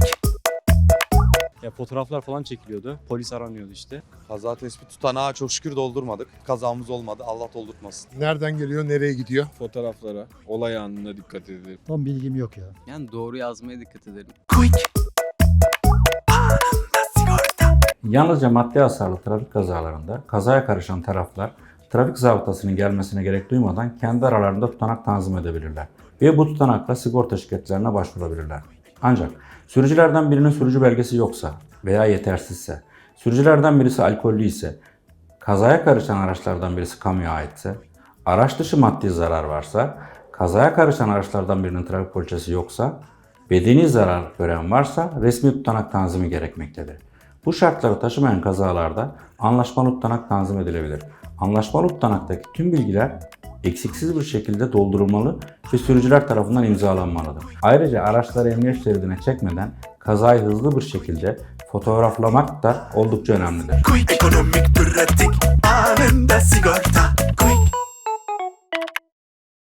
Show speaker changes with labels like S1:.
S1: Ya fotoğraflar falan çekiliyordu. Polis aranıyordu işte.
S2: Kaza tespit tutanağı çok şükür doldurmadık. Kazamız olmadı. Allah doldurtmasın.
S3: Nereden geliyor, nereye gidiyor?
S4: Fotoğraflara, olay anına dikkat edelim.
S5: Tam bilgim yok ya.
S6: Yani doğru yazmaya dikkat edelim.
S7: Yalnızca maddi hasarlı trafik kazalarında kazaya karışan taraflar trafik zabıtasının gelmesine gerek duymadan kendi aralarında tutanak tanzim edebilirler ve bu tutanakla sigorta şirketlerine başvurabilirler. Ancak sürücülerden birinin sürücü belgesi yoksa veya yetersizse, sürücülerden birisi alkollü ise, kazaya karışan araçlardan birisi kamuya aitse, araç dışı maddi zarar varsa, kazaya karışan araçlardan birinin trafik poliçesi yoksa, bedeni zarar gören varsa resmi tutanak tanzimi gerekmektedir. Bu şartları taşımayan kazalarda anlaşmalı tutanak tanzim edilebilir. Anlaşmalı tutanaktaki tüm bilgiler eksiksiz bir şekilde doldurulmalı ve sürücüler tarafından imzalanmalıdır. Ayrıca araçları emniyet şeridine çekmeden kazayı hızlı bir şekilde fotoğraflamak da oldukça önemlidir.
S8: Ekonomik, pratik, anında sigorta.